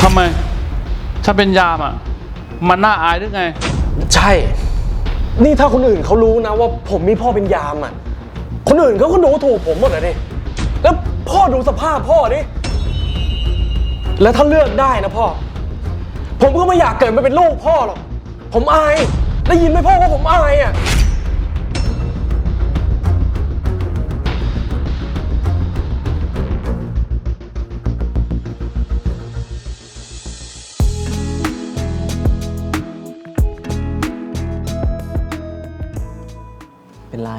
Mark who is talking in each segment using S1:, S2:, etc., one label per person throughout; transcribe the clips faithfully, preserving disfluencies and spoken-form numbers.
S1: ทำไมถ้าเป็นยามอ่ะมันน่าอายหรือไง
S2: ใช่นี่ถ้าคนอื่นเขารู้นะว่าผมมีพ่อเป็นยามอ่ะคนอื่นเขาก็ดูถูกผมหมดเลยดิแล้วพ่อดูสภาพพ่อดิแล้วถ้าเลือกได้นะพ่อผมก็ไม่อยากเกิดมาเป็นลูกพ่อหรอกผมอายได้ยินไหมพ่อว่าผมอายอ่ะเป็นไร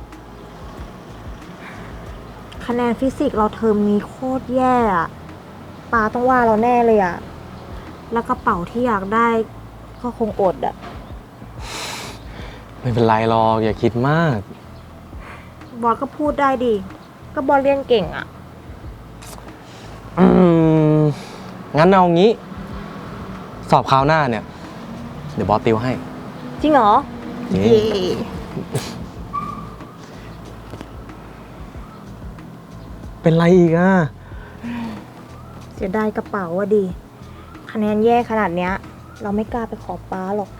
S3: คะแนนฟิสิกส์เราเทอมนี้โคตรแย่อะปาต้องว่าเราแน่เลยอะแล้วกระเป๋าที่อยากได้ก็คงอดอะ
S2: ไม่เป็นไรหรอกอย่าคิดมาก
S3: บอสก็พูดได้ดิก็บอสเรียนเก่งอะ
S2: อืมงั้นเอางี้สอบคราวหน้าเนี่ยเดี๋ยวบอสติวให้
S3: จริงเหรอ
S2: เย้เป็นไรอีกอ่ะ
S3: เสียดายกระเป๋าอะดิคะแนนแย่ขนาดเนี้ยเราไม่กล้าไปขอป้าหรอก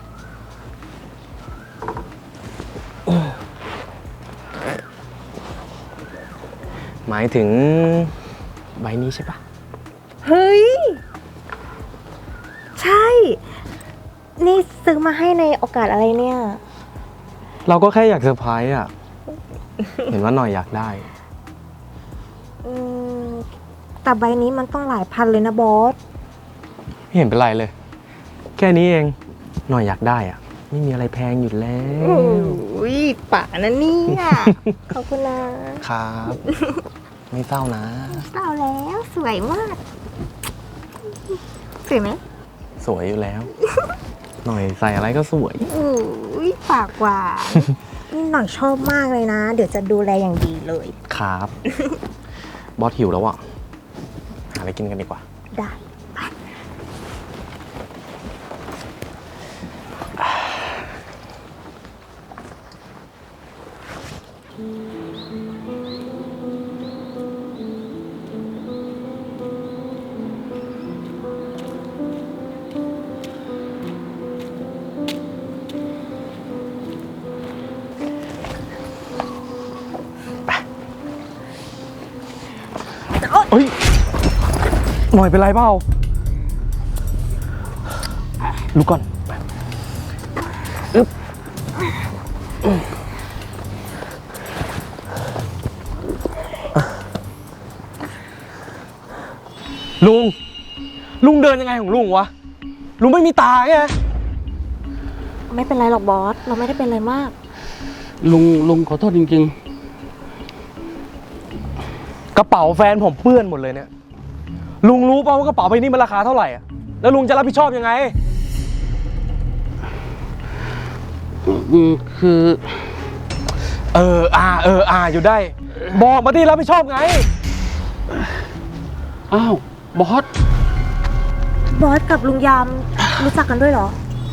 S2: หมายถึงใบนี้ใช่ปะ
S3: เฮ้ยใช่นี่ซื้อมาให้ในโอกาสอะไรเนี่ย
S2: เราก็แค่อยากเซอร์ไพรส์อ่ะ เห็นว่าหน่อยอยากได้
S3: อืมแต่ใบนี้มันต้องหลายพันเลยนะบอส
S2: ไม่เห็นเป็นไรเลยแค่นี้เองหน่อยอยากได้อ่ะไม่มีอะไรแพงอยู่แล้ว
S3: อุ้ยป่านะเนี่ยขอบคุณนะครับ
S2: ไม่เศร้านะ
S3: เศร้าแล้วสวยมากสวยไหม
S2: สวยอยู่แล้วหน่อยใส่อะไรก็สวย
S3: อุ้ยปากหวานนี่หน่อยชอบมากเลยนะเดี๋ยวจะดูแลอย่างดีเลย
S2: ครับบอสหิวแล้วอ่ะหาอะไรกินกันดีกว่า
S3: ได้
S2: เฮ้ยหน่อยเป็นไรเปล่าลุกก่อนอึ๊บลุงลุงเดินยังไงของลุงวะลุงไม่มีตาไง
S3: ไม่เป็นไรหรอกบอสเราไม่ได้เป็นอะไรมาก
S1: ลุงลุงขอโทษจริงๆ
S2: กระเป๋าแฟนผมเปื้อนหมดเลยเนี่ยลุงรู้ป่าวว่ากระเป๋าใบนี้มันราคาเท่าไหร่อ่ะแล้วลุงจะรับผิดชอบยังไง
S1: คือ
S2: เอออ่าเอออ่าอยู่ได้บอกมาที่รับผิดชอบไง
S1: อ้าวบอส
S3: บอสกับลุงยามรู้จักกันด้วยเหรอ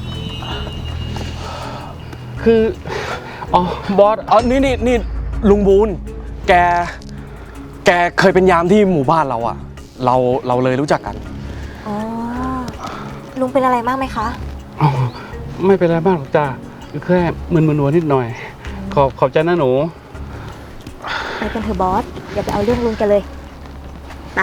S1: คืออ๋อบอส
S2: อ๋อนี่นี่นี่ลุงบูนแกแกเคยเป็นยามที่หมู่บ้านเราอะเราเราเลยรู้จักกัน
S3: อ๋อลุงเป็นอะไรมากไหมคะ
S1: อ๋อไม่เป็นไรมากหรอกจ้าแค่มึนๆหัวนิดหน่อยขอบขอบใจนะหนู
S3: ไปกันเถอะบอสอย่าไปเอาเรื่องลุงกันเลยไป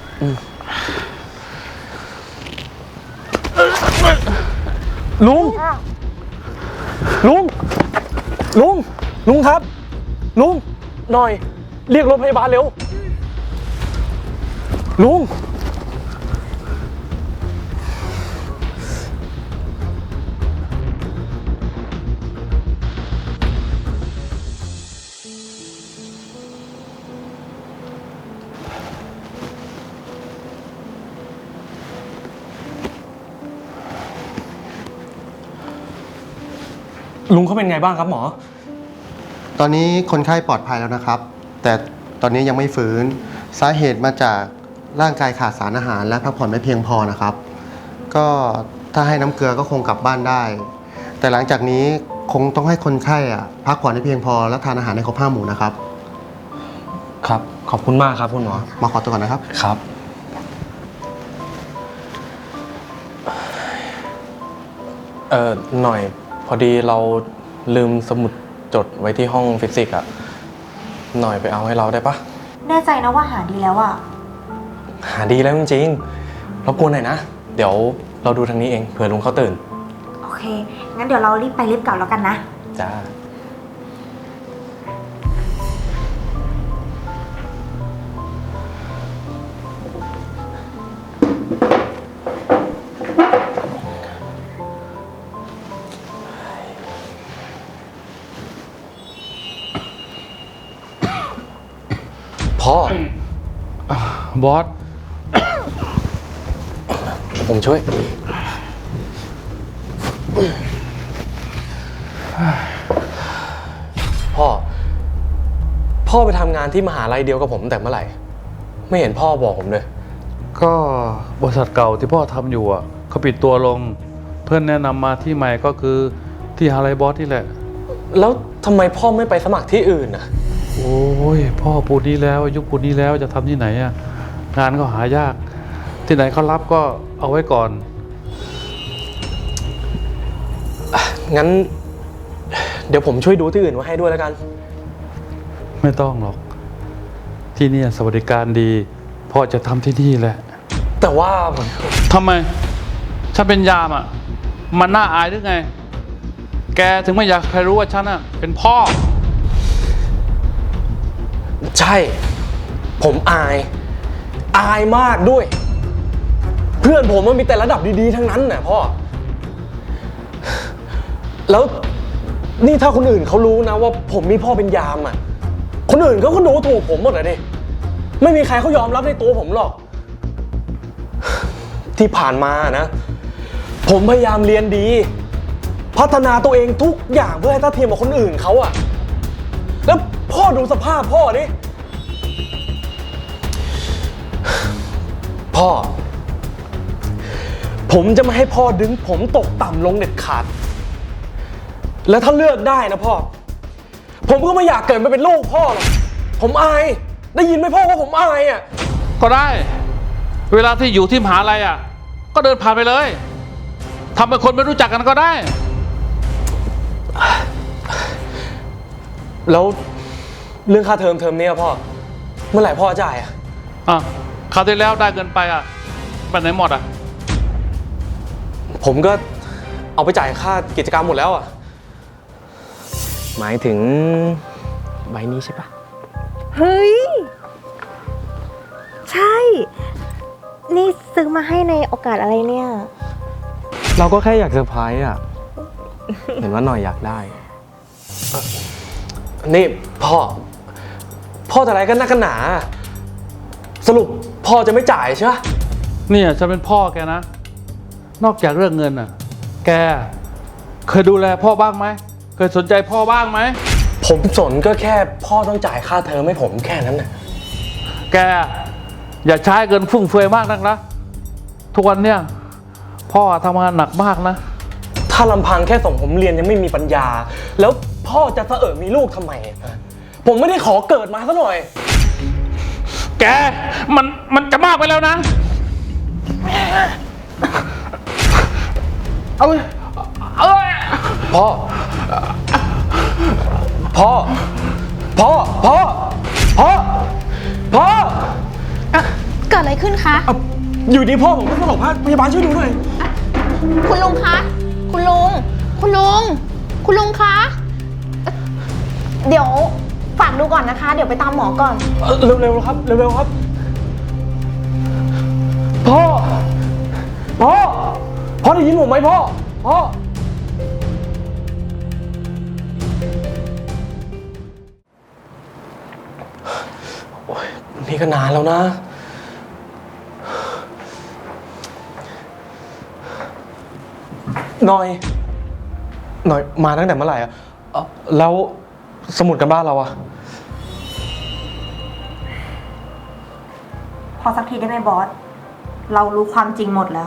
S2: ลุงลุงลุงลุงครับลุงหน่อยเรียกรถพยาบาลเร็วลุงลุงเขาเป็นไงบ้างครับหมอ
S4: ตอนนี้คนไข้ปลอดภัยแล้วนะครับแต่ตอนนี้ยังไม่ฟื้นสาเหตุมาจากร่างกายขาดสารอาหารและพักผ่อนไม่เพียงพอนะครับก็ถ้าให้น้ำเกลือก็คงกลับบ้านได้แต่หลังจากนี้คงต้องให้คนไข้อ่ะพักผ่อนให้เพียงพอและทานอาหารให้ครบห้าหมู่นะครับ
S2: ครับขอบคุณมากครับคุณหมอ
S4: มาขอตัวก่อนนะครับ
S2: ครับเออหน่อยพอดีเราลืมสมุดจดไว้ที่ห้องฟิสิกส์อะหน่อยไปเอาให้เราได้ปะ
S3: แน่ใจนะว่าหาดีแล้วอะ
S2: หาดีแล้วจริงๆรบกวนหน่อยนะ เดี๋ยวเราดูทางนี้เองเผื่อลุงเขาตื่น
S3: โอเค งั้นเดี๋ยวเรารีบไปรีบกลับแล้วกันนะ
S2: จ้า พ่อ
S1: บอส
S2: ผมช่วย พ่อ พ่อไปทำงานที่มหาลัยเดียวกับผมตั้งแต่เมื่อไหร่ ไม่เห็นพ่อบอกผมเลย
S1: ก็บริษัทเก่าที่พ่อทำอยู่อ่ะเขาปิดตัวลง เพื่อนแนะนำมาที่ใหม่ก็คือที่ฮาไลบอสนี่แหละ
S2: แล้วทำไมพ่อไม่ไปสมัครที่อื่นน่ะ
S1: โอ้ยพ่อปูนนี้แล้วยุคปูนนี้แล้วจะทำที่ไหนอ่ะงานก็หายาก ที่ไหนเขารับก็เอาไว้ก่อน
S2: งั้น เดี๋ยวผมช่วยดูที่อื่นไว้ให้ด้วยแล้วกัน
S1: ไม่ต้องหรอก ที่นี่สวัสดิการดีพ่อจะทำที่นี่แหละ
S2: แต่ว่า
S1: ทำไมฉันเป็นยามอ่ะมันน่าอายหรือไง แกถึงไม่อยากใครรู้ว่าฉันอ่ะเป็นพ่อ
S2: ใช่ ผมอาย อายมากด้วย เพื่อนผมมันมีแต่ระดับดีๆทั้งนั้นน่ะพ่อ แล้วนี่ถ้าคนอื่นเขารู้นะว่าผมมีพ่อเป็นยามอ่ะ คนอื่นเขาก็ดูถูกผมหมดเลยดิ ไม่มีใครเขายอมรับในตัวผมหรอก ที่ผ่านมานะ ผมพยายามเรียนดี พัฒนาตัวเองทุกอย่างเพื่อให้เท่าเทียมกับคนอื่นเขาอะแล้วพ่อดูสภาพพ่อดิ พ่อ ผมจะไม่ให้พ่อดึงผมตกต่ำลงเด็ดขาด แล้วถ้าเลือกได้นะพ่อ ผมก็ไม่อยากเกิดมาเป็นลูกพ่อหรอก ผมอาย ได้ยินไหมพ่อว่าผมอายอะ
S1: ก็ได้ เวลาที่อยู่ที่มหาลัยอ่ะก็เดินผ่านไปเลยทำเป็นคนไม่รู้จักกันก็ได้
S2: แล้วเรื่องค่าเทอมเทอมนี้อะพ่อ เมื่อไหร่พ่อจ่ายอะ
S1: อ่ะคราวที่แล้วได้เงินไปอ่ะไปไหนหมดอ่ะ
S2: ผมก็เอาไปจ่ายค่ากิจกรรมหมดแล้วอะหมายถึงใบนี้ใช่ปะ
S3: เฮ้ย ใช่ นี่ซื้อมาให้ในโอกาสอะไรเนี่ย
S2: เราก็แค่อยากเซอร์ไพรส์อะเห็นว่าหน่อยอยากได้เอ่อนี่พ่อ พ่อจะอะไรกันนักกันหนา สรุปพ่อจะไม่จ่ายใช่ปะ
S1: เนี่ยฉันเป็นพ่อแกนะ นอกจากเรื่องเงินอ่ะ แกเคยดูแลพ่อบ้างไหมเคยสนใจพ่อบ้างไหม
S2: ผมสนก็แค่พ่อต้องจ่ายค่าเทอมให้ผมแค่นั้นนะ
S1: แกอย่าใช้เงินฟุ่มเฟือยมากนักนะทุกวันเนี่ยพ่อทำงานหนักมากนะ
S2: ถ้าลำพังแค่ส่งผมเรียนยังไม่มีปัญญา แล้วพ่อจะเสอะมีลูกทำไมอะผมไม่ได้ขอเกิดมาซะหน่อย
S1: แกมันมันจะมากไปแล้วนะเอาเลยเอาเลย
S2: พ่อ พ่อ พ่อ พ่อ พ่อ พ่อ
S5: เกิดอะไรขึ้นคะ
S2: เอาอยู่ดีพ่อผมก็สลบพยาบาลช่วยดูหน่อย
S5: คุณลุงคะ คุณลุง คุณลุง คุณลุงคะเอ่อเดี๋ยวฝากดูก่อนนะคะ เดี๋ยวไปตามหมอก่อน
S2: เอ่อเร็วๆครับ เร็วๆครับ พ่อ พ่อ พ่อได้ยินผมไหมพ่อ พ่อ โอ้ยนี่ก็นานแล้วนะ หน่อย หน่อยมาตั้งแต่เมื่อไหร่อะเอ้าแล้วสมุดกันบ้านเราอะ
S3: พอสักทีได้ไหมบอส เรารู้ความจริงหมดแล้ว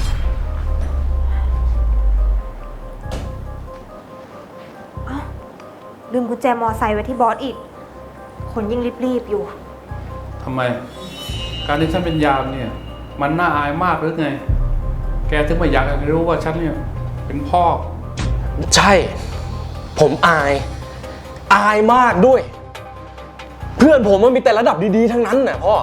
S3: อ้าวลืมกุญแจมอไซค์ไว้ที่บอสอีก คนยิ่งรีบๆอยู่
S1: ทำไม การที่ฉันเป็นยามเนี่ย มันน่าอายมากหรือไง แกถึงไม่อยากให้รู้ว่าฉันเนี่ยเป็นพ่อ
S2: ใช่ ผมอาย อายมากด้วย เพื่อนผมมันมีแต่ระดับดีๆทั้งนั้นน่ะพ่อ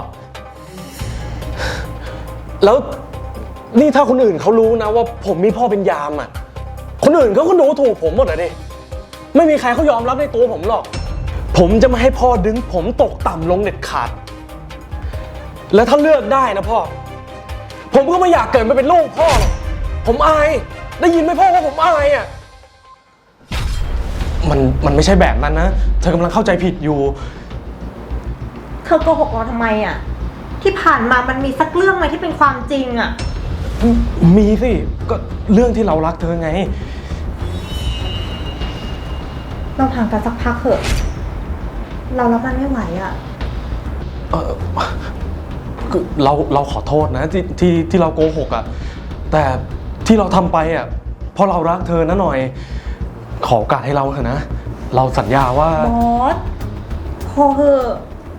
S2: แล้วนี่ถ้าคนอื่นเขารู้นะว่าผมมีพ่อเป็นยามอ่ะ คนอื่นเขาก็ดูถูกผมหมดอะดิ ไม่มีใครเขายอมรับในตัวผมหรอก ผมจะไม่ให้พ่อดึงผมตกต่ำลงเด็ดขาด แล้วถ้าเลือกได้นะพ่อ ผมก็ไม่อยากเกิดมาเป็นลูกพ่อหรอก ผมอาย ได้ยินไหมพ่อว่าผมอายอ่ะ มันมันไม่ใช่แบบนั้นนะ เธอกำลังเข้าใจผิดอยู่
S3: เธอโกหกเราทำไมอ่ะ ที่ผ่านมามันมีสักเรื่องไหมที่เป็นความจริงอ่ะ
S2: มีสิ ก็เรื่องที่เรารักเธอไง
S3: เราห่างกันสักพักเถอะ เรารับมันไม่ไหวอ่ะ
S2: เออคือเราเราขอโทษนะที่ที่ที่เราโกหกอะ่ะแต่ที่เราทำไปอะ่ะเพราะเรารักเธอนะหน่อย ขอโอกาสให้เราเถอะนะ เราสัญญาว่า
S3: บอส พอเถอะ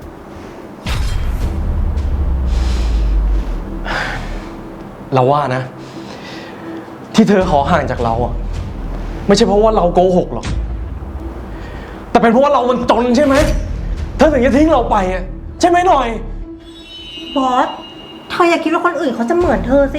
S2: เราว่านะ ที่เธอขอห่างจากเราอะ่ะไม่ใช่เพราะว่าเราโกหกหรอก แต่เป็นเพราะว่าเรามันจนใช่ไหมเธอถึงจะทิ้งเราไปอะ่ะใช่ไหมหน่อย
S3: บอส เธออย่าคิดว่าคนอื่นเขาจะเหมือนเธอสิ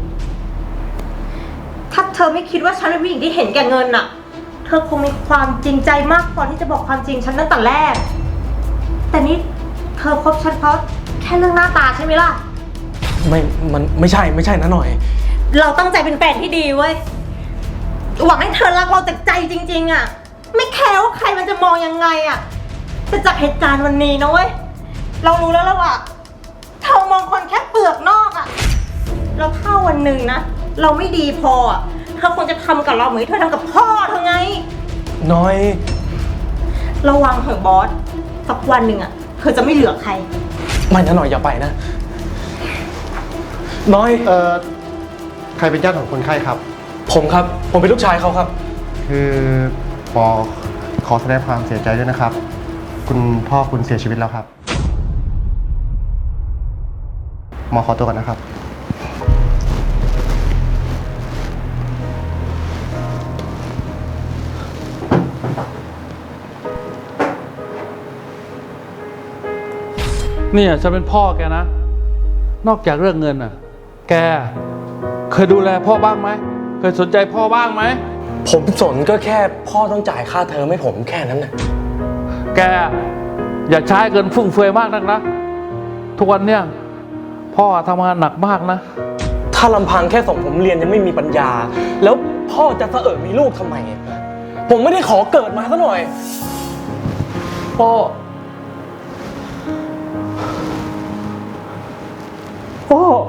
S3: ถ้าเธอไม่คิดว่าฉันเป็นผู้หญิงที่เห็นแก่เงินน่ะ เธอคงมีความจริงใจมากพอที่จะบอกความจริงฉันตั้งแต่แรก แต่นี่เธอคบฉันเพราะแค่เรื่องหน้าตาใช่ไหมล่ะ
S2: ไม่มันไม่ใช่ไม่ใช่นะหน่อย
S3: เราตั้งใจเป็นแฟนที่ดีเว้ย หวังให้เธอรักเราจากใจจริงๆอ่ะ ไม่แคร์ว่าใครมันจะมองยังไงอ่ะ แต่จากเหตุการณ์วันนี้นะเว้ย เรารู้แล้วแล้วว่าเธอมองคนแค่เปลือกนอกอ่ะ แล้วถ้าวันหนึ่งนะ เราไม่ดีพออ่ะ เธอควรจะทำกับเราเหมือนที่เธอทำกับพ่อเธอไง
S2: น้อย
S3: ระวังเถอะบอส สักวันหนึ่งอ่ะ เธอจะไม่เหลือใคร
S2: ไม่นะหน่อยอย่าไปนะ น้อย
S4: เอ่อ ใครเป็นญาติของคนไข้ครับ
S2: ผมครับ ผมเป็นลูกชายเขาครับ
S4: คือปอขอแสดงความเสียใจด้วยนะครับ คุณพ่อคุณเสียชีวิตแล้วครับ หมอขอตัวก่อนนะครับ
S1: เนี่ยฉันเป็นพ่อแกนะ นอกจากเรื่องเงินอ่ะ แกเคยดูแลพ่อบ้างไหม เคยสนใจพ่อบ้างไหม
S2: ผมสนก็แค่พ่อต้องจ่ายค่าเทอมให้ผมแค่นั้นน่ะ
S1: แกอย่าใช้เงินฟุ่มเฟือยมากนักนะ ทุกวันเนี่ยพ่อทำงานหนักมากนะ
S2: ถ้าลำพังแค่ส่งผมเรียนยังไม่มีปัญญา แล้วพ่อจะเสอะมีลูกทำไมอะผมไม่ได้ขอเกิดมาซะหน่อย พ่อ พ่อ